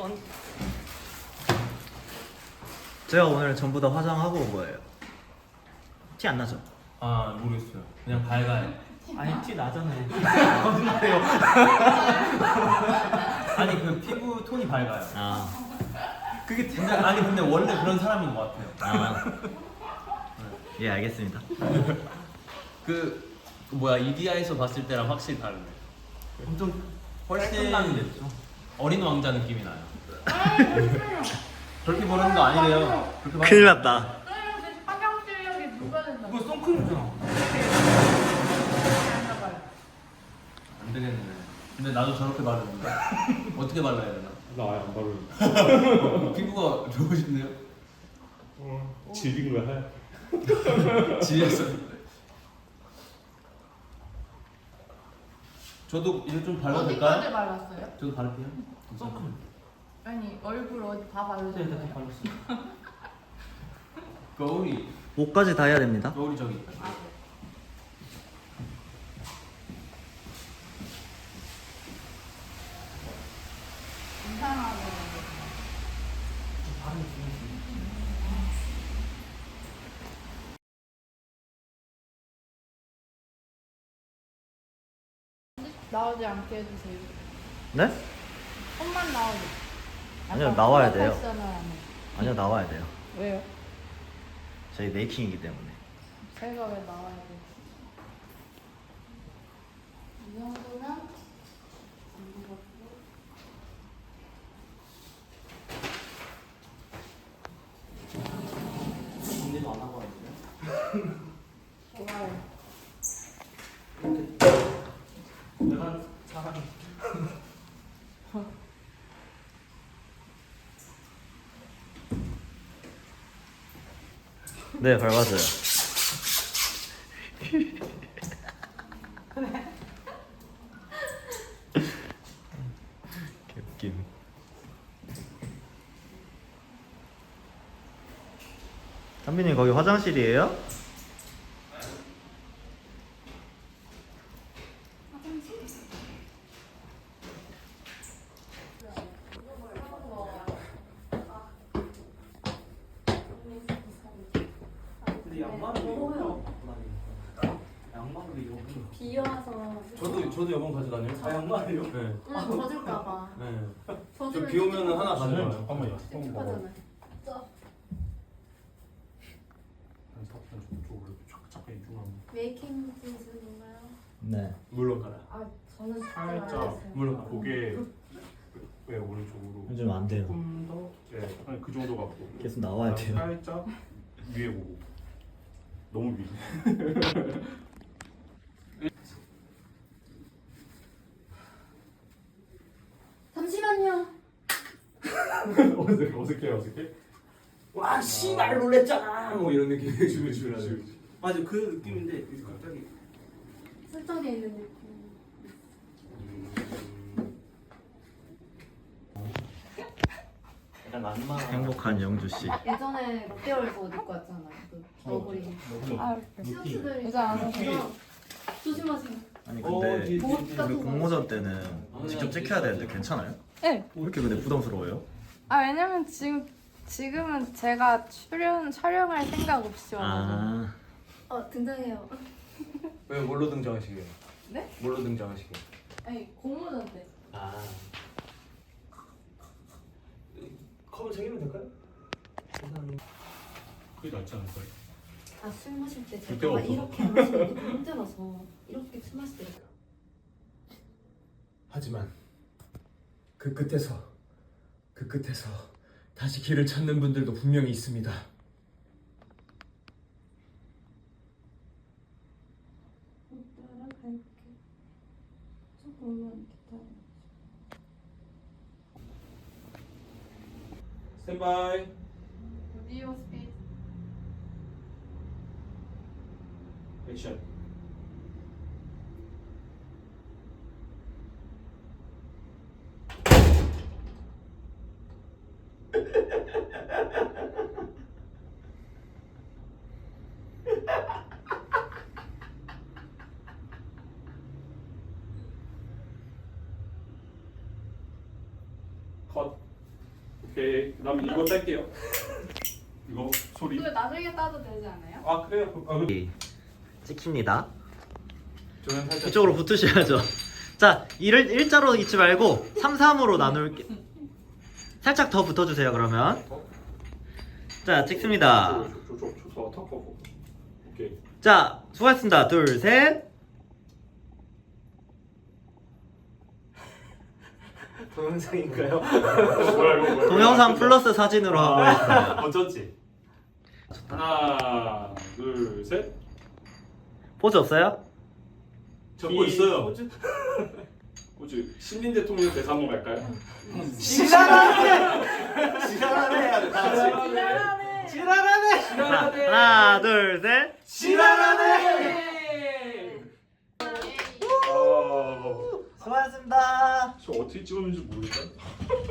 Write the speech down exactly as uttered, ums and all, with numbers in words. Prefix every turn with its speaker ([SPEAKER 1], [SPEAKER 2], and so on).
[SPEAKER 1] 제가 오늘 전부 다 화장하고 온 거예요. 티 안 나죠?
[SPEAKER 2] 아 모르겠어요. 그냥 밝아요.
[SPEAKER 1] 아니 티 나잖아요.
[SPEAKER 2] 거짓말해요. 아니 그 피부 톤이 밝아요.
[SPEAKER 1] 아,
[SPEAKER 2] 그게 근데 아니 근데 원래 그런 사람인 것 같아요.
[SPEAKER 1] 아. 예, 알겠습니다.
[SPEAKER 3] 그, 그 뭐야 이디아에서 봤을 때랑 확실히 다르네.
[SPEAKER 2] 엄청 훨씬 어린 왕자 느낌이 나요. 그렇게 보는 거 아니래요. 그렇게 봐-
[SPEAKER 1] 큰일 났다.
[SPEAKER 4] 그러면 화장 실력이 누가 된다?
[SPEAKER 2] 그거 선크림이잖아.
[SPEAKER 4] 안 나가요.
[SPEAKER 2] 안 되겠네. 근데 나도 저렇게 바르는데 어떻게 발라야 되나?
[SPEAKER 5] 나 아예 안 바르는데.
[SPEAKER 2] 피부가 좋으신데요?
[SPEAKER 5] 질긴 거야 하얗게.
[SPEAKER 2] 지렸어. 저도 이제 좀 발라도
[SPEAKER 4] 어디까지
[SPEAKER 2] 될까요?
[SPEAKER 4] 발랐어요?
[SPEAKER 2] 저도 바를게요. 선크림.
[SPEAKER 4] 아니 얼굴 어디 다
[SPEAKER 2] 네, 네,
[SPEAKER 4] 바르셨어요?
[SPEAKER 2] 발랐어요. 거울이
[SPEAKER 1] 목까지 다 해야 됩니다.
[SPEAKER 2] 거울이 저기 있다.
[SPEAKER 4] 아, 네. 이상하게 나오지 않게 해주세요.
[SPEAKER 1] 네?
[SPEAKER 4] 손만 나오게.
[SPEAKER 1] 아니요,
[SPEAKER 4] 약간
[SPEAKER 1] 나와야 돼요.
[SPEAKER 4] 프로페셔널 하네.
[SPEAKER 1] 아니요, 나와야 돼요.
[SPEAKER 4] 왜요?
[SPEAKER 1] 저희 메이킹이기 때문에.
[SPEAKER 4] 제가 왜 나와야 돼? 이 정도면 안 무겁고.
[SPEAKER 2] 정리도 안 하고 왔는데.
[SPEAKER 4] 좋아요.
[SPEAKER 2] 내가 사람.
[SPEAKER 1] 네, 밟았어요. 개웃김. 한빈님 거기 화장실이에요?
[SPEAKER 2] 근데 양말을
[SPEAKER 4] 먹어요.
[SPEAKER 2] 양말을 여기.
[SPEAKER 4] 비 와서.
[SPEAKER 2] 저도 저도 여번 가져다녀요. 아 양말이요? 네.
[SPEAKER 4] 응, 젖을까봐.
[SPEAKER 2] 네.
[SPEAKER 4] 젖으면
[SPEAKER 2] 비 오면은 하나 가져가요.
[SPEAKER 5] 잠깐만요. 한번 봐봐.
[SPEAKER 4] 찝찝하잖아요.
[SPEAKER 5] 한 사- 한 저쪽으로 촥 잠깐 이동하면.
[SPEAKER 4] 메이킹 기술인가요?
[SPEAKER 1] 네.
[SPEAKER 2] 물론 가라.
[SPEAKER 4] 아, 저는
[SPEAKER 5] 살짝
[SPEAKER 2] 물론 가.
[SPEAKER 5] 고개 왜 오른쪽으로
[SPEAKER 1] 요즘 안 돼요.
[SPEAKER 5] 조금 더 예, 한 그 정도 갖고
[SPEAKER 1] 계속 나와야 돼요.
[SPEAKER 5] 살짝 위에 보고 너무 위.
[SPEAKER 4] 잠시만요.
[SPEAKER 5] 어색해 어색해 어색해.
[SPEAKER 2] 와 씨발 놀랬잖아. 뭐 이런 느낌.
[SPEAKER 5] 그치 그치 그치.
[SPEAKER 2] 맞아 그 느낌인데 갑자기.
[SPEAKER 4] 슬쩍에 있는 느낌.
[SPEAKER 2] 약간 란마.
[SPEAKER 1] 행복한 영주 씨.
[SPEAKER 4] 예전에 롯데월드 옷 입고 왔잖아요. 그 너구리.
[SPEAKER 5] 아,
[SPEAKER 4] 스튜어트들이 여자 안 하셔서 조심하세요.
[SPEAKER 1] 아니
[SPEAKER 2] 어,
[SPEAKER 1] 근데
[SPEAKER 2] 뒤에, 뒤에,
[SPEAKER 4] 옷
[SPEAKER 2] 뒤에.
[SPEAKER 4] 같은
[SPEAKER 1] 우리
[SPEAKER 4] 거.
[SPEAKER 1] 공모전 때는 직접 찍혀야 되는데 괜찮아요?
[SPEAKER 6] 네.
[SPEAKER 1] 왜 이렇게 근데 부담스러워요?
[SPEAKER 6] 아 왜냐면 지금 지금은 제가 출연 촬영할 생각 없이 와가지고.
[SPEAKER 1] 아,
[SPEAKER 4] 어 등장해요.
[SPEAKER 2] 왜 뭘로 등장하시게요?
[SPEAKER 4] 네?
[SPEAKER 2] 뭘로 등장하시게?
[SPEAKER 4] 아니 공모전 때.
[SPEAKER 2] 아. 컵을 챙기면 될까요? 감사합니다.
[SPEAKER 5] 그게 낫지 않을까요?
[SPEAKER 4] 아 술 마실 때
[SPEAKER 5] 그때가
[SPEAKER 4] 제가
[SPEAKER 5] 없어서.
[SPEAKER 4] 이렇게 안 마시는 게 힘들어서 이렇게 술 마실 때.
[SPEAKER 7] 하지만 그 끝에서 그 끝에서 다시 길을 찾는 분들도 분명히 있습니다.
[SPEAKER 4] 따라갈게. 조금만 기다려.
[SPEAKER 2] 스탠바이.
[SPEAKER 4] 오디오 스피드.
[SPEAKER 2] 액션.
[SPEAKER 5] 컷. 오케이. 그다음에 이거 뗄게요. 이거 소리.
[SPEAKER 6] 이거 나중에 따도 되지 않아요?
[SPEAKER 5] 아 그래요? 아, 그-
[SPEAKER 1] 찍힙니다.
[SPEAKER 5] 저는 살짝
[SPEAKER 1] 이쪽으로 붙으셔야죠. 자, 일을 일자로 있지 말고 삼, 삼으로 나눌게. 살짝 더 붙어주세요. 그러면 자 찍습니다.
[SPEAKER 5] 저저저 턱 보고. 오케이.
[SPEAKER 1] 자 수고하셨습니다. 둘, 셋.
[SPEAKER 2] 동영상인가요?
[SPEAKER 5] 뭐야 이거 뭐야?
[SPEAKER 1] 동영상 플러스 사진으로 하고 있어요.
[SPEAKER 2] 어쩐지.
[SPEAKER 5] 하나, 둘, 셋.
[SPEAKER 1] 포즈 없어요?
[SPEAKER 2] 적고 있어요.
[SPEAKER 5] 호주? 호주. 신민 대통령 대사 한번 갈까요?
[SPEAKER 2] 지랄하네. 지랄하네 해야 돼. 다 같이.
[SPEAKER 6] 지랄하네.
[SPEAKER 2] 지랄하네.
[SPEAKER 1] 자, 하나, 둘, 셋.
[SPEAKER 2] 지랄하네.
[SPEAKER 5] 아,
[SPEAKER 1] 수고하셨습니다.
[SPEAKER 5] 저 어떻게 찍었는지 모르겠다.